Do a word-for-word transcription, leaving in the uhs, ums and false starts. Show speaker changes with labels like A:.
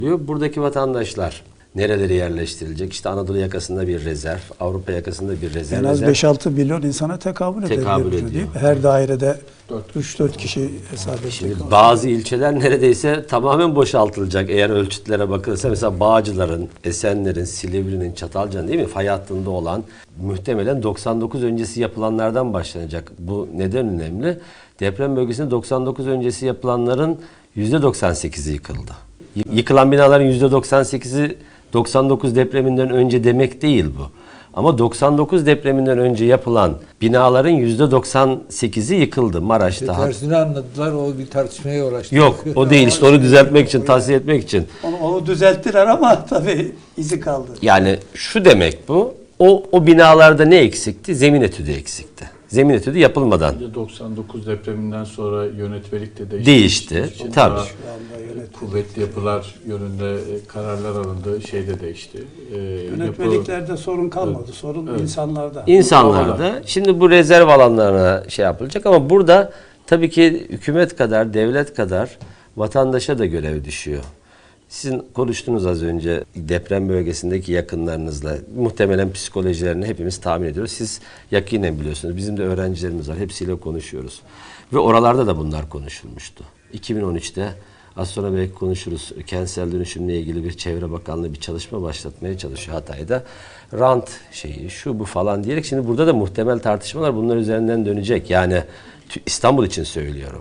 A: Buradaki vatandaşlar nerelere yerleştirilecek? İşte Anadolu yakasında bir rezerv, Avrupa yakasında bir rezerv.
B: En az beş altı milyon insana tekabül,
A: Tekabül
B: ediyor,
A: ediyor.
B: değil mi? Her dairede üç dört kişi hesap edecek.
A: Şimdi bazı ilçeler neredeyse tamamen boşaltılacak eğer ölçütlere bakılırsa. Mesela Bağcılar'ın, Esenler'in, Silivri'nin, Çatalca'nın değil mi? Fay hattında olan muhtemelen doksan dokuz öncesi yapılanlardan başlanacak. Bu neden önemli? Deprem bölgesinde doksan dokuz öncesi yapılanların yüzde doksan sekizi yıkıldı. Yıkılan binaların yüzde doksan sekizi doksan dokuz depreminden önce demek değil bu. Ama doksan dokuz depreminden önce yapılan binaların yüzde doksan sekizi yıkıldı Maraş'ta.
C: İşte tersini anladılar, o bir tartışmaya uğraştı.
A: Yok, o değil işte, onu düzeltmek için, tahsiye etmek için.
B: Onu, onu düzelttiler ama tabii izi kaldı.
A: Yani şu demek bu, o, o binalarda ne eksikti? Zemin etüdü eksikti. Zemin etüdü yapılmadan.
D: doksan dokuz depreminden sonra yönetmelik de değişti.
A: Değişti,
D: İçin
A: tabii.
D: daha kuvvetli yapılar yönünde kararlar alındı, şey de değişti. Ee,
B: Yönetmeliklerde
D: yapı,
B: sorun kalmadı.
D: Evet.
B: Sorun
D: Evet.
B: insanlarda.
A: İnsanlarda. Şimdi bu rezerv alanlarına şey yapılacak ama burada tabii ki hükümet kadar, devlet kadar vatandaşa da görev düşüyor. Sizin konuştunuz az önce deprem bölgesindeki yakınlarınızla. Muhtemelen psikolojilerini hepimiz tahmin ediyoruz. Siz yakinen biliyorsunuz. Bizim de öğrencilerimiz var. Hepsiyle konuşuyoruz. Ve oralarda da bunlar konuşulmuştu. iki bin on üçte az sonra belki konuşuruz. Kentsel dönüşümle ilgili bir Çevre Bakanlığı bir çalışma başlatmaya çalışıyor Hatay'da. Rant şeyi, şu bu falan diyerek şimdi burada da muhtemel tartışmalar bunlar üzerinden dönecek. Yani İstanbul için söylüyorum.